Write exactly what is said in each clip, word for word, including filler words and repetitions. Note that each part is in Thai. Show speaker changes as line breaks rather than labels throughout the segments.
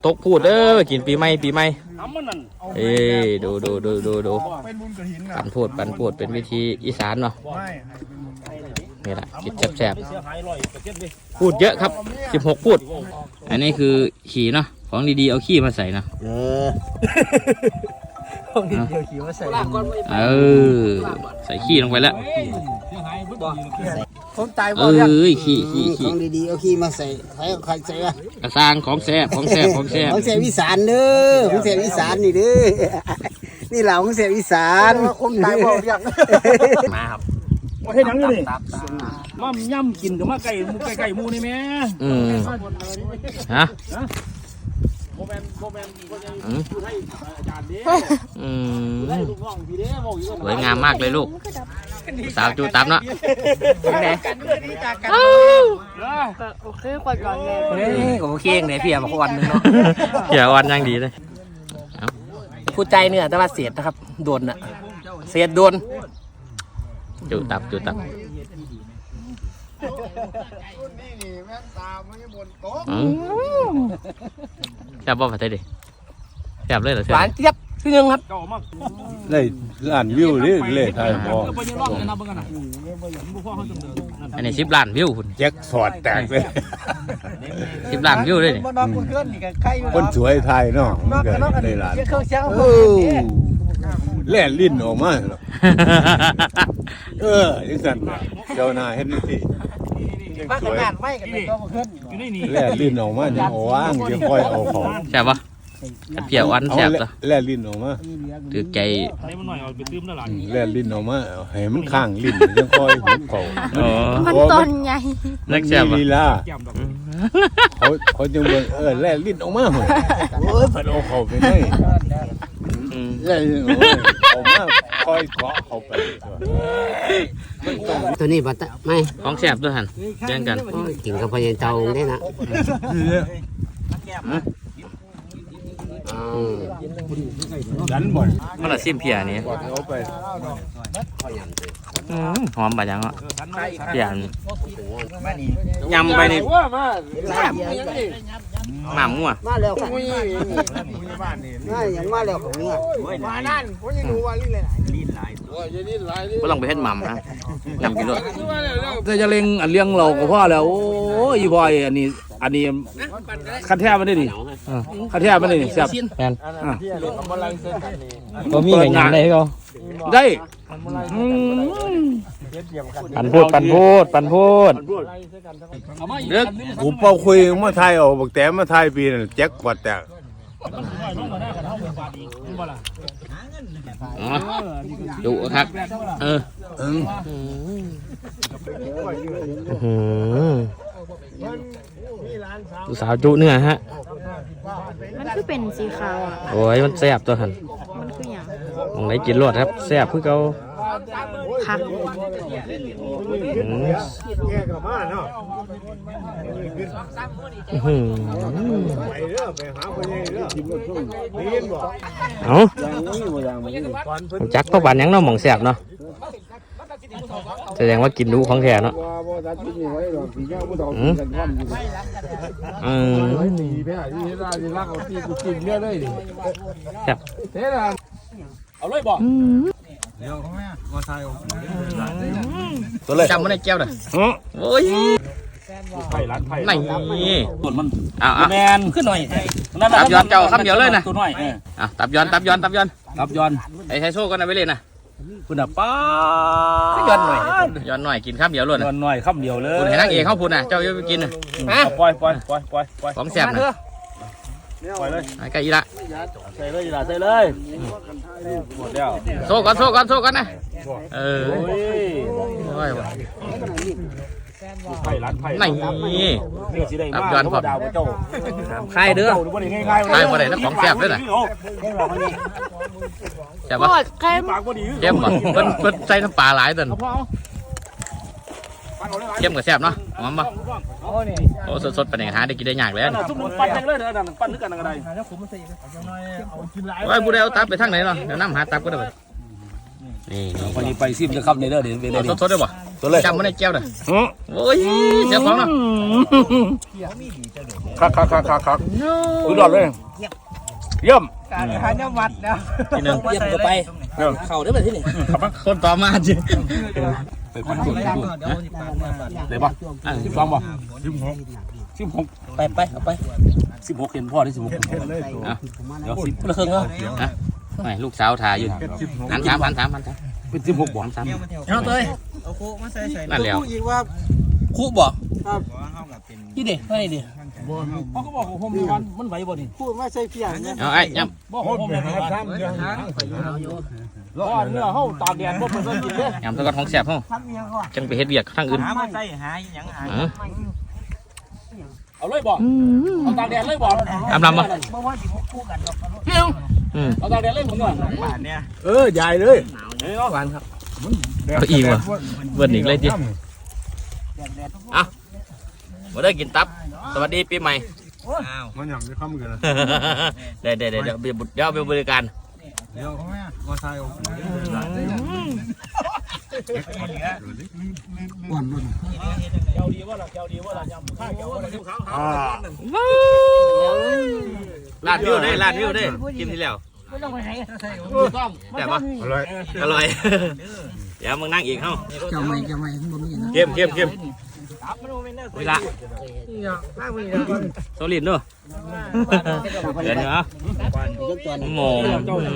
ตกพูดเด้อกินปีใหม่ปีใหม่เอ้ดูดูดูดูดูปันพูดปันพูดเป็นวิธีอีสานเนาะนี่แหละกินแซ่บๆพูดเยอะครับสิบหกพูดอันนี้คือขี่เนาะของดีๆเอาขี้มาใส่นะเออของดีๆเอาขี้มาใส่เออใส่ขี้ลงไปแล้ว
ผมตายบ่
เอ้ยขี้ขี้ขี้
ของดีๆเอาขี้มาใส่ใส่ใครใส่อะ
กระซางของแซ่บของแซ่บของแซ่บ
ของแซ่บอีสานเด้อของแซ่บอีสานนี่เด้อนี่เหล่าของแซ่บอีสานคนตายบ่ยัง
มาครับ
มาเฮ็ดหยังอยู่นี่มาย่ำกินกับมาไก่มูไก่ไก่มูนี่แม่
อืมฮะ
โมแมนโมแมนคนยังอยู่ให้อาจารย์เด้
อืม
ได้ลูกน้องพี่เด้บอกอยู่
สวยงามมากเลยลูกสาวจูตับเนาะเป็นไง
โอเคกว่าก่อนเลย
เฮ้ยโอเคเองเนี่ยพี่มาวันนึงเนาะพี่วันยังดีเลย
ผู้ใจเนี่ยแต่ว่าเสียดนะครับโดนอะเสียดโดน
จูตับจูตับแซ่บบ่ผัดไทยดิแซ่บเลยเหรอ
หวานเจี๊ยบคือยังครับ
เลยล้านวิวนี่เลยไทยพอ
อันนี้สิบล้านวิวคุณ
แจ็คสอดแตกเลย
สิบล้านวิวเลย
คนสวยไทยเนาะในร้านแล่ลิ้นออกมาเออยังสั่นเจ้าหน้าเห็นที่สวยแล่ลิ้นออกมาจะว่างจะค่อยเอาของ
แซ่บปะเพียวอันแซ่บจ้ะ
แล่ลิ้นออกมา
ถือใจ
แล่ลิ้นออกมาให้มันข้างลิ้นยังค่อยหุบเขา
มันต้นใหญ่
นักแซ่บ
ลีลาเขาเขาจึงบอกเออแล่ลิ้นออกมาเหรอเออผัดเอาเขาไปให้แล่ลิ้นออกมาคอยเกาะเขาไป
ตัวนี้บัตรไม่
ของแซ่บด้วยหันแย่งกัน
กินกับพญาเจ้าได้นะ
ดันบ่อย
มันละซิมเพียนี่หอมบะยังอ่ะเพียนยำไปนี่หม่ำมั่ว
มาแล้วค่ะมาอย่างมาแล้วของเนี่ยมานั่นผมยังรู้ว่าลิ้นเลยลิ้นหลาย
ก็ลองไปเฮ็ดหม่ำนะยำกินด้วย
แต่จะเล็งอันเลี้ยงเราก็พอแล้วโอ้ยพอยอันนี้อันนี้คันแท้มันได้ดิคันแท้มันได้ดิแซ่บ
แม่นบ่มีให้หยังได้ก็
ได้
ปันพูดปันพูดปันพูด
เด็กกูเป่าคุยมาไทยออกบักแต่มาไทยปีนั่นแจ็คกวาดแตก
ดุครับเออดูสาวจุเนื้อฮะ
มันคือเป็นสีขาวอ่ะ
โอ้ยมันแซ่บตัวหัน
มันคืออย่าง
มองไหนกินรสครับแซ่บเพื่อเขา
ผัก
เอาจักก็บานยังเนาะหม่องแซ่บเนาะแสดงว่ากินดูของแท้เนาะอืมอืมครับ
เอาเลยบอก
ตัวเลยจำมันในแก้วเลยโอ้ย
ไผ่ร้านไผ่
ไม่
ส่วนมัน
อ้าว
แมนขึ้นหน่อย
ตับย้อนเจ้าคำเดียวเลยนะ
ตัวน้อย
อ่ะตับย้อนตับย้อนตับย้อน
ตับย้อน
ไอ้ไทโซ่ก็น่าไปเล่นนะ
คุณอ่ะป้า
ย้อนหน่อยย้อนหน่อยกินข้ามเดียวเลย
ย้อนหน่อยข้ามเดียวเลย
คุณเห็นนักเอกเขาพูดนะเจ้าจะไปกินนะ
ปล่อยปล่อยปล่อยปล่อยปล่อย
ของแซ่บนะ
ปล่อยเลย
ไก่อีละ
ใส่เลยอีละใส่เลยหมดแล้ว
โซ่กันโซ่กันโซ่กันนะเออโอ้ย
ไผ่ร้านไผ่
ไม่ตับย้อนพอใครเด้อใครมาไหนแล้วของแซ่บด้วยนะแซ่บปะเข้มปะเพิ่นเพิ่นใส่น้ำปลาหลายตันเข้มกับแซ่บเนาะหอมปะโอ้สดๆเป็นอย่างหาได้กินได้ยากเลย
ปั้นยังเลยเด้อปั้นนึกกันอะไร
ไว้ผู้ใดเอาตับไปทางไหนเนาะเดี๋ยวน้ำหาตับก็ได้นี่
วันนี้ไปซิมจะขับในเด้อเดี๋ยว
สดๆได้ป่ะจำมันในแก้วเลยโอ้ยเสียของเนาะ
คักคักคักคักคักสุดยอดเลยเยี่ยม
การหาเนื้อวัดนะ
ทีหนึ่งเยี่ยมก็ไปเข่าได้แบบที่นี่คนต่อมาจิ
ไปพันจุดเลยป่ะสิบสองป่ะสิบหกสิบหก
ไปไปเอาไป
สิบหกเห็นพ่อได้สิบหก
เดี๋ยวสิบละครึ่งเนาะไม่ลูกสาวถ่ายอยู่หันสามหันสามหันสาม
เป็นสิบหกบ่
หันสาม
เอาเตยเอาโคมาใส่ใส่
นั่นแล้ว
อีกว่า
คู่บ่
ครับ
ที่เด็กให้ดิ
เขาก็บอกผมมีวันมันไหวบ่นี่
พูดมาใส่เพียงเนี่ย
เอาไอ้ย่ำ
บอกผมมีวันร้อนเนื้อเฮาตากแดดบ่เพิ่นก็กินเด้
ย่ำตะกอนของแสบห้อง
ทำเมียก่อน
จังไปเฮ็ดเวียกทางอื่น
หามาใส่หาหยังหา
เออ
เอาเลยบ่เอาตากแดดเลยบ่
อำลำบ่
เมื่อวานที่พวกคู่กันดอก
อืม
เอาตากแดดเลยผมก่อน
บ้านเนี่ย
เออใหญ่เลย
หวานครับเอาอีกว่ะเบิ่นอีกเลยดิอ่ะมาได้กินตับสวัสดีปีใหม่
มันหยั่งได้ข้ามกันนะ
เดี๋ยวเดี๋ยวเดี๋ยวเดี๋ยวเดี๋ยวเดี๋ยวไปบริการ
เดี๋ยวมาใส่เอา
ลาดวิวได้ลาดวิวได้กินที่แล้วแต่ว่า
อร่อย
อร่อยเดี๋ยวมึงนั่งอีกเฮ้า
เจ้าไม่เจ้าไม่บ่มีนะ
เข้มเข้มเข้มเวลาโซลินด้วยเดี๋ยวนะโมง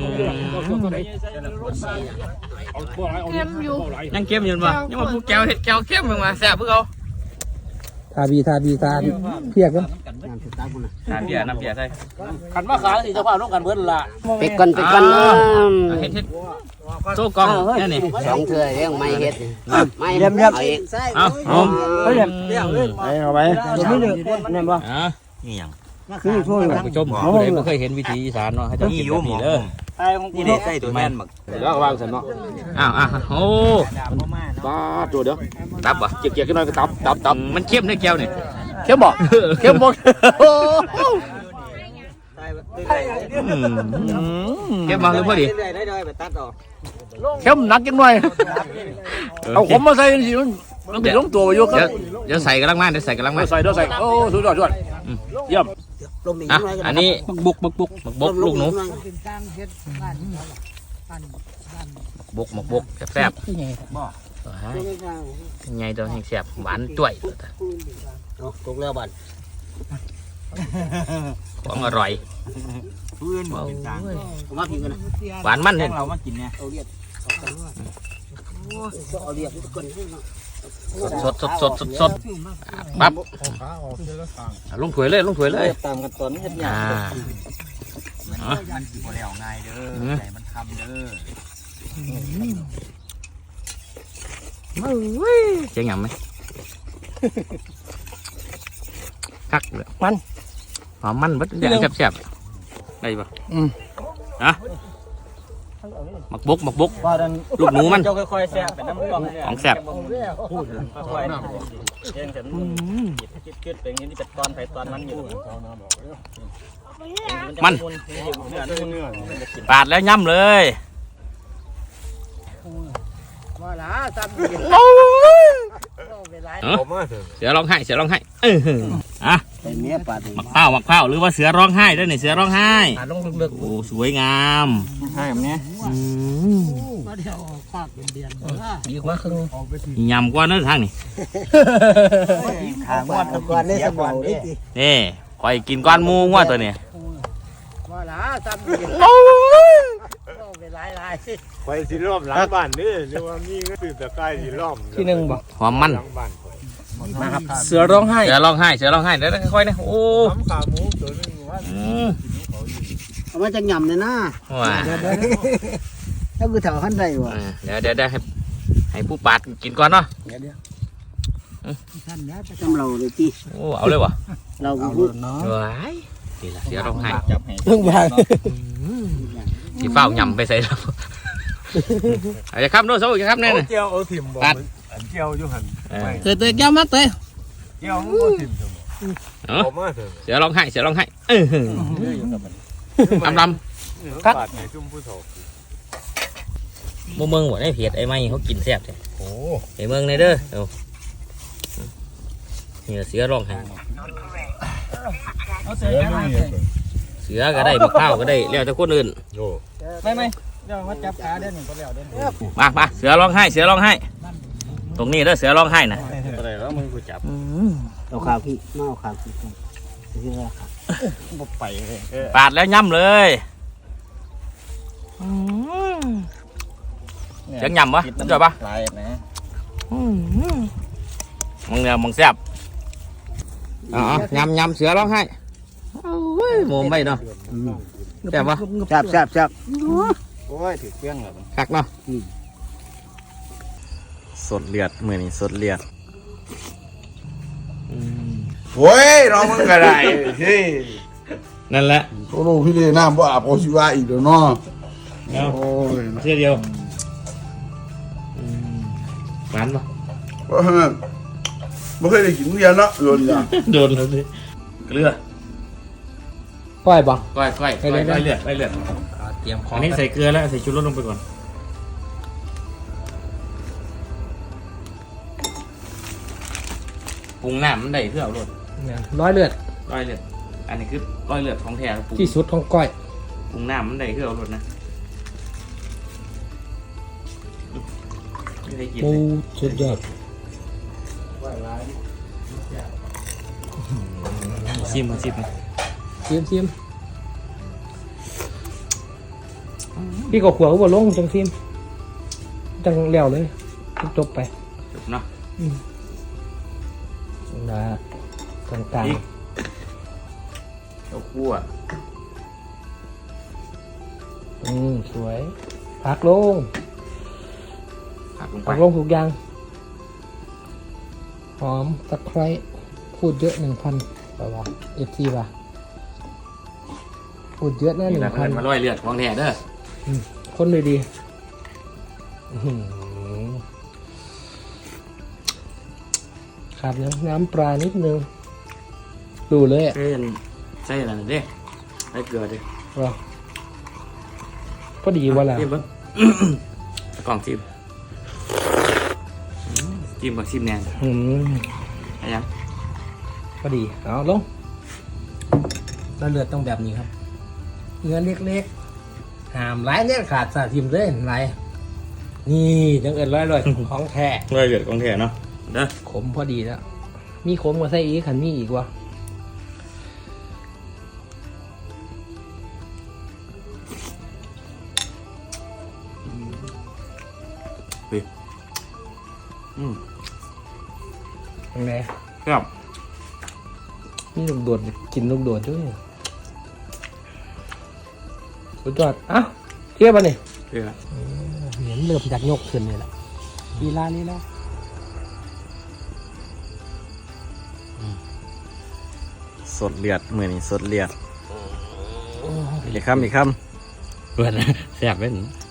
เข้มอยู่
ยังเข้มอยู่ป่ะยังมาพูแก้วเห็ดแก้วเข้มมึงมาแซ่บเพื่อเขา
ทาบีทาบีทาเพียกกัน
น้ำเบียร์น้ำเบียร์ใส่
ขันมาขายสิเจ้าภาพต้องกันเบิดล่ะ
เป็ดกันเป็ดกัน
เฮ็ดเฮ็ดโซ่กองนี่นี่
สองเถื่อเรื่องไม่เฮ็ดไม่เรียบเรียบเอาอีก
เอาเอา
เรียบเรียบเลยเอาไปเดี๋ยวไม่เลือกนั่นบ่
อ่ะนี่ยัง
คือช่วย
ท่านผู้ชมผู้ใดไม่เคยเห็นวิถีอีสานเนาะให้ต้องกินแบบนี้เด้อ
นี่เด็กใส่ตัวแม่นบัก
แล้วก็วางสันเนาะ
อ้าวอ้าวโอ้
ตาตัวเด้อ
ตับบ่
เกี่ยวๆกันหน่อยก็ตับตับตับ
มันเข้มได้แก้วนี่
เข้มบ่เข้มบ่
เข้มมาหรือพอดี
ได้ได้ไปตัดออก
เข้มหนักจังหน่อยเอาขมมาใส่สิมันมันติดลงตัวอยู่ค
เดี๋ย
รั
ว
บ
เดี๋ยวใส่กระลังมาเดี๋ยวใส่กระลังมา
ใส่เด้อใส่โอ้สุดยอดสุดยอดเยี่ยม
ลมอีก
อ่ะ
หน่อย
อันนี้บุกบุกบุกบุกบุกลูกหนูบุกหมกบุกแซ่บๆไงตัวแห้งแซ่บหวานจ่วย
ถูกแล้วบัด
ของอร่อย
เพื่อนบอกเป็นจางผมมาพิมพ์กันนะ
หวานมันเนี่ย
เรามากินเนี่ยเอาเรียกเอาเรียกทุกคน
สดสดสดสดสดปั๊บ
ขาออกเจอแล้วทาง
ลงถ้วยเลยลงถ้วยเลย
ตามกันตอนนี้เฮ็ด
อ่า
มันสิบ่แล้วง่ายเด้อใจมันคำเด้อ
เจ๊งหยำไหมคักเลยมันหอมมันบัดอย่างแซ่บๆได้ปะฮะหมักบกหมักบกลูกหนูมัน
เจ้าค่อยๆแซ่บเป็นน้ำกล่อง
ของแซ่บ
ค่อยๆเองฉันคิดๆเป็นอย่างนี้เป็นตอนไผตอนมันอยู่
มันปาดแล้วย่ำเลย
ว่าล่ะซ้ำ
เออเสือร้องไห้เสือร้องไห้เอออ่ะ
เป็นเมียปาด
หมักเผาหมักเผาหรือว่าเสือร้องไห้ด้วยนี่เสือร้องไห้
ลงลึก
โอ้สวยงาม
ๆให้แบบนี้
อืม
ดีกว่าครึ่ง
ยำกว่านั้นทางนี่
ขางวดก่อนได้สมองดิ
นี่คอยกินก้อนหมูว่าตัวนี้
ว่าล่ะซ้ำเป็นหลาย
ไปสิล้อมหลังบ้านนี่เรียกว่ามีเงินตื่นตะไคร้สิล้อม
ที่หนึ่งบ่
หอมมัน
หลังบ้าน
มาครับเสือร้องไห้
เสือร้องไห้เสือร้องไห้เดี๋ยวค่อยๆนะโอ้
ทำขาหมูตัวนึงว่า
อืม
เอามาจากหย่ำเลยนะ
ว้า
แล้วคือแถวขั้นใดวะ
เดี๋ยวเดี๋ยวเดี๋ยวให้ให้ผู้ปาดกินก่อนเนาะ
จำเราเลยที่
โอ้เอาเลยวะ
เราพูด
ว้ายนี่ละเสือร้องไห้
เพิ่งบาง
สีฟ้าหยำไปใส่แล้วอาจจะข้ามโน้ตโซ่จะข้ามแน่
เอา
น่ะ
เจียวเอาถิ่มบ่อันเจียวอยู่หัน
เออ
เตยเตยแก้วมัดเตย
เจียวมันบ่ถิ่มจัง
เออ
เอามาเถอะ
เสือร้องไห้เสือร้องไห้เออลำล
กัดให้ซุ่มผู้เฒ่า
ำบ่เมืองบ่ได้เผ็ดไอ้ไม้เขากินแซ่บเลย
โอ้
ไอ้เมืองในเด้อเอานี่เสือร้องไห้
เสือไม่มี
เสือก็ได้มะพร้าวก็ได้แล้วแต่คนอื่น
โอ้
ไม่ไม่เดี๋ยวมาจับขาเดี๋ยวหนึ่งก็แล้วเดี๋ยว
มามาเสือร้องไห้เสือร้องไห้ตรงนี้เด้อเสือร้องไห้นะ
อะไรแล้วมึงกูจับ
เอาขาพี่มาเอาขาพี่ที่แรกครับ
บ่ไปเลย
ปาดแล้วย่ำเลยเสียงย่ำวะจอยปะ
ลายนะ
มึงเนี่ยมึงแซ่บอ๋อยำยำเสือร้องไห้โอ้ยโมมไปเนาะแซ่บปะ
แซ่บแซ่บแซ่บโอ้ยถือเครื่องแล้ว
คักเนาะสดเลือดมือนี่สดเลือด
โว้ยน้องมึงก็ได้เฮ้ย
นั่นแหละ
โอ้โหพี่เดน้ำบ่อาบเอาชีวะอีกแล้วเนาะ
เอา
โอ้ย
เสื้อเดียวหวานปะ
บ่ฮะบ่เคยได้กินเรียนเนาะโดนอย่าง
โดนแล้วสิเกลือ
ปล่อยบ่
ก้อยก้อยก้อยก้อยเลือดก้อยเลือด
เตรียมขอ
อั
ง
นนี้ใส่เกลือแล้วใส่ชูรสลงไปก่อนปรุงน้ำมันได้เพื่อเอารส
ร้อยเลือด
ก้อยเลือดอันนี้คือก้อยเลือดของแท้ปรุง
ที่สุดของก้อย
ปรุงน้ำมันได้เพื่อเอารสนะไม่ได้กิน
ปู
เลย
สุดยอด
ชิมมาชิมมา
ชิมชิมพี่ก็ขวบว่าลงจังชิมจังแล้วเลยจบไป
จบเนาะ
นะต่าง
พริกข้าวคั่ว
ๆอืมสวยพักลง
ผักลงไป
พักลงทุกอย่างหอมตะไคร้พูดเยอะหนึ่งพันป่าวะเอฟทีป่ะพูดเยอะแน่ห
นี่
นึ่
แหละ
ง
เพื่
พั
อน นมาร้อยเลือดของแท้เด้อ
คนเลยดีอื้อหือขาดน้ำน้ำปลานิดนึงดูเลยอ่ะ
ใส่ใส่อะไรเด้ใส่เกลือดิ
ว่าพอดีว่าแล้ว
จิ้มเบิ้ง กล่องจิ้มจิ้มบักจิ้มแนน
อืม
อะไรยัง
พอดีเอาลงแล้วเลือดต้องแบบนี้ครับเนื้อเล็กๆหามไร้เนี่ยขาดสาทิมเลยไรนี่จังเอิญร้อยร้อยของแท้
ร้อยเลือดของแท้เนาะเด้อ
ขมพอดีแล้วมีขมกว่าไส้อีกขันมีอีกวะ
อืม
ยังไง
ครับ
นี่ลูกโดดกินลูกโดดด้วยสุดยอดอ่ะเทียบป่ะนี่
เกลือ
เหมือนเริ่มจากยกขึ้นนี่แหละลีลาลีลา
สดเลือดมือนี่สดเลือดอีกคำอีกคำเพื่อนแซ่บเป็น